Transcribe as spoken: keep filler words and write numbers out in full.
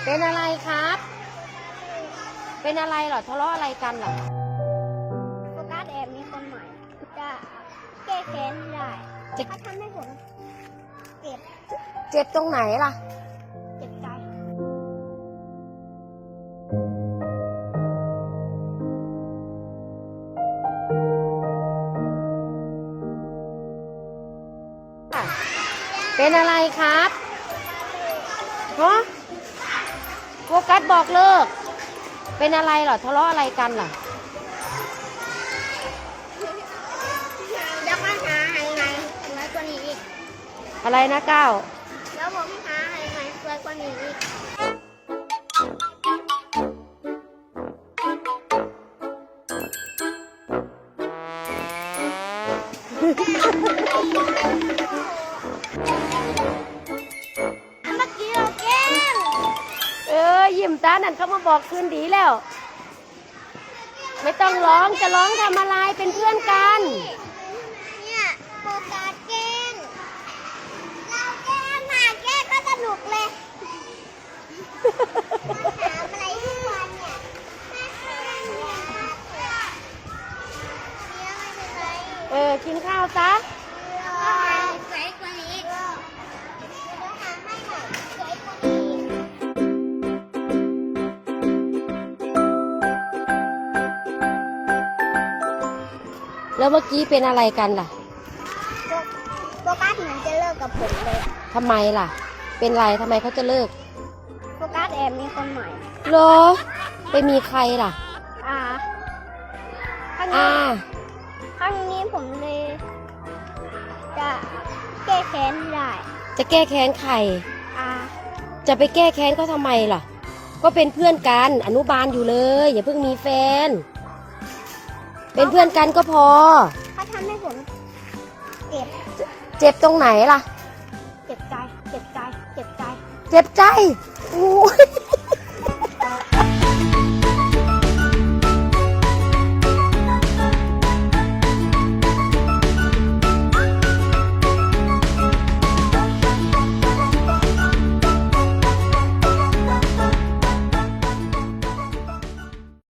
เป็นอะไรครับ เป็นอะไรเหรอทะเลาะอะไรกันเหรอโฟกัสแอบมีคนใหม่จะแก้แค้นได้ถ้าทำให้ผมเจ็บเจ็บตรงไหนล่ะเจ็บใจเป็นอะไรครับฮะโฟกัสบอกเลิกเป็นอะไรเหรอทะเลาะอะไรกันเหรอแล้วก็หาให้ไงสวยกว่านี้อีกอะไรนะก้าวแล้วผมหาให้ไงสวยกว่านี้อีกเมื่อกี้เราแกล้งเออยิ้มตานั่นเขามาบอกคืนดีแล้วไม่ต้องร้องจะร้องทำอะไรเป็นเพื่อนกันเนี่ยโฟกัสแกล้งเราแกล้งมาแกล้งก็สนุกเลยถามอะไรทุกวันเนี่ยมาแกล้งเนี่ยเนี่ยไม่เป็นไรเออกินข้าวซะสวยกว่านี้เดี๋ยวหาให้หน่อยสวยกว่านี้แล้วเมื่อกี้เป็นอะไรกันล่ะโฟกัสเหมือนจะเลิกกับผมเลยทำไมล่ะเป็นไรทำไมเขาจะเลิกโฟกัสแอบมีคนใหม่เหรอไปมีใครล่ะอ่าข้างอ่านี้ข้างนี้ผมเลยจะแก้แค้นได้จะแก้แค้นใครอ่าจะไปแก้แค้นเขาทำไมล่ะก็เป็นเพื่อนกันอนุบาลอยู่เลยอย่าเพิ่งมีแฟนเป็นเพื่อนกันก็พอถ้าทำให้ผมเจ็บเจ็บตรงไหนล่ะเจ็บใจเจ็บใจเจ็บใจเจ็บใจโอ้ย